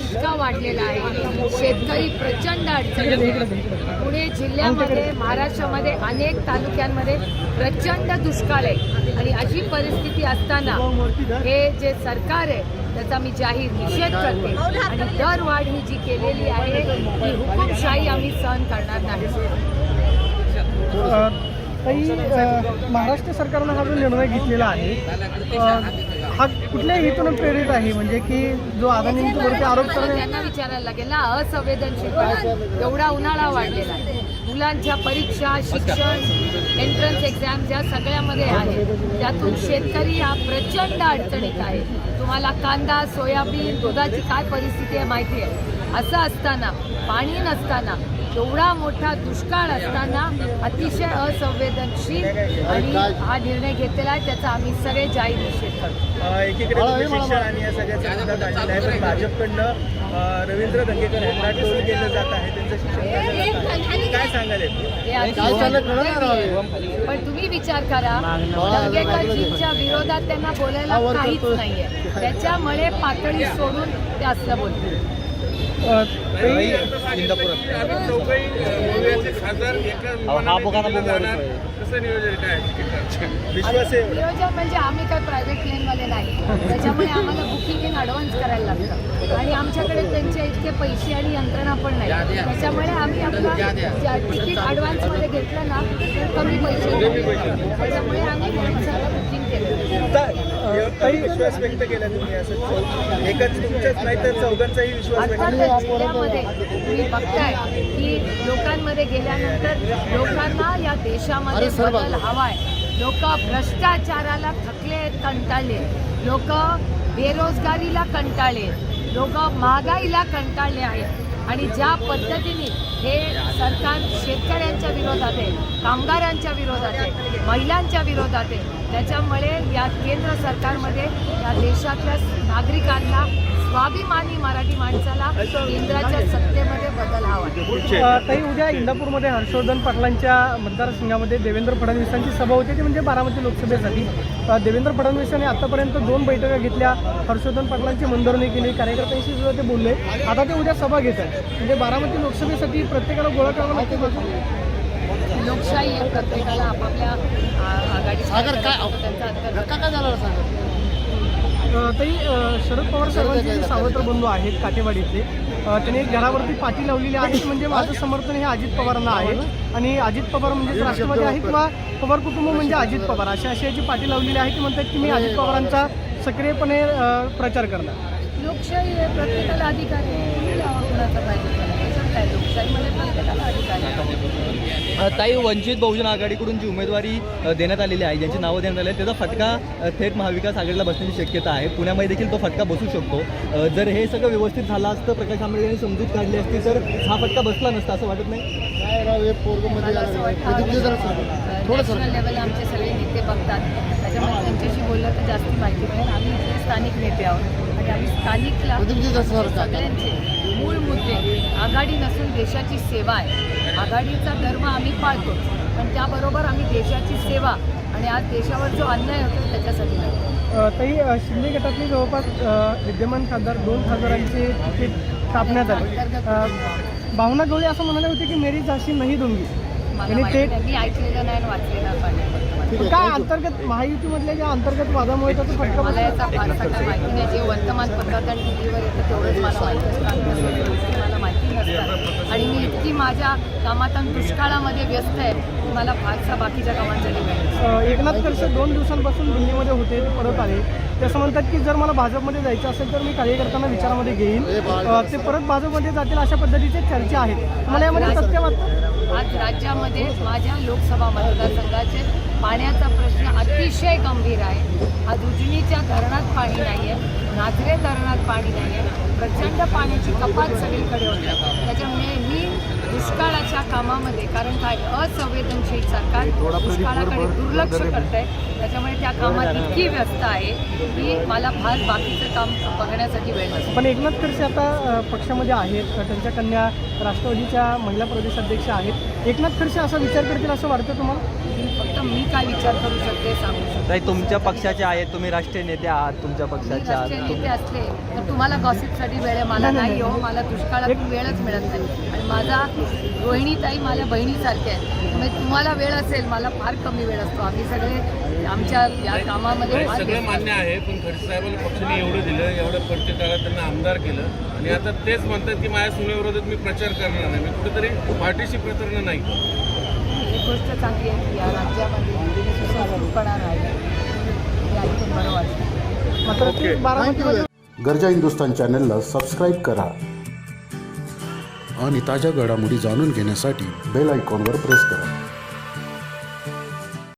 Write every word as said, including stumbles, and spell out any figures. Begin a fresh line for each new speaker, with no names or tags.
इतका वाढलेला आहे, शेतकरी प्रचंड अडचणीत आहे. पुणे जिल्ह्यामध्ये, महाराष्ट्रामध्ये अनेक तालुक्यांमध्ये प्रचंड दुष्काळ आहे आणि अशी परिस्थिती असताना हे जे सरकार आहे त्याचा मी जाहीर निषेध करते आणि दरवाढ ही जी केलेली आहे ही हुकुमशाही आम्ही सहन करणार नाही.
काही महाराष्ट्र सरकारनं हा जो निर्णय घेतलेला आहे हा कुठल्या हेतून प्रेरित आहे, म्हणजे की जो अदानींवरती आरोप करणे
त्यांना विचारायला लागेल ना. असंवेदनशीलपणा एवढा उन्हाळा वाढलेला आहे, मुलांच्या परीक्षा, शिक्षण, एंट्रन्स एक्झाम ज्या सगळ्यामध्ये आहे त्यातून शेतकरी हा प्रचंड अडचणीत आहे. तुम्हाला कांदा, सोयाबीन, दुधाची काय परिस्थिती आहे माहिती आहे. असं असताना, पाणी नसताना, एवढा मोठा दुष्काळ असताना अतिशय असंवेदनशील आणि हा निर्णय घेतलेला आहे त्याचा आम्ही सगळे जाहीर निषेध करतो.
एकीकडे शिक्षण आणि या सगळ्याचा मुद्दा काढलेला आहे, पण भाजपकडनं रवींद्र दंगेकर यांना टोल केलं जात आहे, त्यांचं शिक्षण काय सांगाल?
पण तुम्ही विचार करा, दंगेकरजींच्या विरोधात त्यांना बोलायला काहीच नाहीये, त्याच्यामुळे पातळी सोडून ते असं बोलतील. नियोजन म्हणजे आम्ही काय प्रायव्हेट प्लेनवाले नाही, त्याच्यामुळे आम्हाला बुकिंग इन ॲडव्हान्स करायला लागतं आणि आमच्याकडे त्यांचे इतके पैसे आणि यंत्रणा पण नाही, त्याच्यामुळे आम्ही आपला तिकीट ॲडव्हान्समध्ये घेतलं ना तर कमी पैसे त्याच्यामुळे आम्ही बुकिंग केलं.
काही विश्वास व्यक्त केला तुम्ही, असं एकच तुमच्याच नाही तर चौघांचाही विश्वास व्यक्त केला.
जिल्ह्यामध्ये तुम्ही बघताय की लोकांमध्ये गेल्यानंतर लोकांना या देशामध्ये बदल हवाय. लोक भ्रष्टाचाराला थकले, कंटाळले, लोक बेरोजगारीला कंटाळले, लोक महागाईला कंटाळले आहेत आणि ज्या पद्धतीने हे सरकार शेतकऱ्यांच्या विरोधात आहे, कामगारांच्या विरोधात आहे, महिलांच्या विरोधात आहे, त्याच्यामुळे या केंद्र सरकारमध्ये या देशातल्या नागरिकांना, स्वाभिमानी मराठी माणसाला केंद्राच्या सत्तेमध्ये बदल हवा.
ताई, उद्या इंदापूरमध्ये हर्षवर्धन पाटलांच्या मतदारसंघामध्ये देवेंद्र फडणवीसांची सभा होती, ती म्हणजे बारामती लोकसभेसाठी. देवेंद्र फडणवीसांनी आतापर्यंत दोन बैठका घेतल्या, हर्षवर्धन पाटलांची मनधरणी केली, कार्यकर्त्यांशी सुद्धा ते बोलले. आता ते उद्या सभा घेत आहेत, म्हणजे बारामती लोकसभेसाठी प्रत्येकाला गोळा करावं लागते.
लोकशाही आहे, प्रत्येकाला आपापल्या आघाडी
ताई, शरद पवार साहेबांचे जे सावत्र बंधू आहेत काटेवाडीतले, त्यांनी घरावरती पाटी लावलेली आहे, म्हणजे माझं समर्थन हे अजित पवारांना आहे आणि अजित पवार म्हणजे राष्ट्रवादी आहे किंवा पवार कुटुंब म्हणजे अजित पवार, अशा अशी याची पाटी लावलेली आहे की म्हणतात की मी अजित पवारांचा सक्रियपणे प्रचार करणार.
लोकशाही आहे, प्रत्येकाला अधिकार आहे, कुणाचा पाहिजे काय, लोकशाहीमध्ये प्रत्येकाला अधिकार आहे.
ताई, वंचित बहुजन आघाडीकडून जी उमेदवारी देण्यात आलेली आहे, ज्यांची नावं देण्यात आली आहे, त्याचा फटका थेट महाविकास आघाडीला बसण्याची शक्यता आहे. पुण्यामध्ये देखील तो फटका बसू शकतो. जर हे सगळं व्यवस्थित झालं असतं, प्रकाश आंबेडकर यांनी समजूत काढली असती तर हा फटका बसला नसता, असं वाटत नाही?
नॅशनल लेवल आमचे सगळे नेते बघतात, त्याच्यामुळे त्यांच्याशी बोललं तर जास्त माहिती मिळेल. आम्ही इथे स्थानिक नेते आहोत आणि आम्ही स्थानिकला सगळ्यांचे मूळ मुद्दे, आघाडी नसून देशाची सेवा आहे. आघाडीचा धर्म आम्ही पाळतो, पण त्याबरोबर आम्ही देशाची सेवा आणि आज देशावर जो अन्याय होतो त्याच्यासाठी नाही.
ताई, शिंदे गटातले जवळपास विद्यमान खासदार दोन खासदारांचे तिकीट कापण्यात आले. भावना गवळी असं म्हणाले होते की मेरी झाशी नाही दूंगी,
आणि ते मी ऐकलेलं नाही आणि वाचलेलं पण
काय अंतर्गत महायुतीमधल्या ज्या अंतर्गत वादामुळे त्याचा फटका
मला याचा फारसा काय माहिती नाही. जे वर्तमानपत्रात आणि टी व्हीवर येतं तेवढंच मला माहिती असतं, मला माहिती नसतं आणि मी इतकी माझ्या कामात आणि दुष्काळामध्ये व्यस्त आहे की मला फारसा बाकीच्या कामांसाठी वेळ.
एकनाथ खडसे दोन दिवसांपासून दिल्लीमध्ये होते, ते परत आले. ते असं म्हणतात की जर मला भाजपमध्ये जायचं असेल तर मी कार्यकर्त्यांना विचारामध्ये घेईन, ते परत भाजपमध्ये जातील, अशा पद्धतीचे चर्चा आहेत. मला यामध्ये सत्य वाटतं?
आज राज्यामध्ये माझ्या लोकसभा मतदारसंघाचे पाण्याचा प्रश्न अतिशय गंभीर आहे. आज उजनीच्या धरणात पाणी नाही आहे, नाझरे धरणात पाणी नाही आहे, प्रचंड पाण्याची कपात सगळीकडे होते. त्याच्यामुळे मी दुष्काळाच्या कामामध्ये, कारण काय असंवेदनशील सरकार दुष्काळाकडे दुर्लक्ष करत आहे, त्याच्यामुळे त्या कामात इतकी व्यस्त आहे की मला फार बाकीचं काम बघण्यासाठी वेळ नसतो.
पण एकनाथ खडसे आता पक्षामध्ये आहेत, त्यांच्या कन्या राष्ट्रवादीच्या महिला प्रदेशाध्यक्ष आहेत. एकनाथ खडसे असा विचार करतील असं वाटतं तुम्हाला?
फक्त आता मी काय विचार करू शकते सांगू शकते.
ताई तुमच्या पक्षाचे आहेत, तुम्ही राष्ट्रीय नेते आहात, तुमच्या
मी
पक्षाचे
राष्ट्रीय
आहात.
नेते असले तर तुम्हाला गॉसिपसाठी वेळ आहे, मला नाही हो. मला दुष्काळात वेळच मिळत नाही आणि माझा रोहिणीताई माझ्या बहिणीसारख्या आहेत. त्यामुळे तुम्हाला वेळ असेल, मला फार कमी वेळ असतो. आम्ही सगळे आमच्या या कामामध्ये फार
सगळं
व्यस्त
मान्य आहे, पण खडसे साहेबांना पक्षाने एवढं दिलं, एवढ्या प्रत्येक काळात त्यांना आमदार केलं आणि आता तेच म्हणतात की माझ्या सुनेविरोधात मी प्रचार करणार नाही. मी कुठेतरी पार्टीशी प्रतारणा नाही.
एक गोष्ट चांगली आहे की या राज्यामध्ये सुसंस्कृतपणा राहिला हे ऐकून बरं वाटतं.
मात्र ते बारामतीमध्ये
गरजा हिंदुस्तान चॅनलला सबस्क्राईब करा आणि ताज्या घडामोडी जाणून घेण्यासाठी बेल आयकॉनवर प्रेस करा.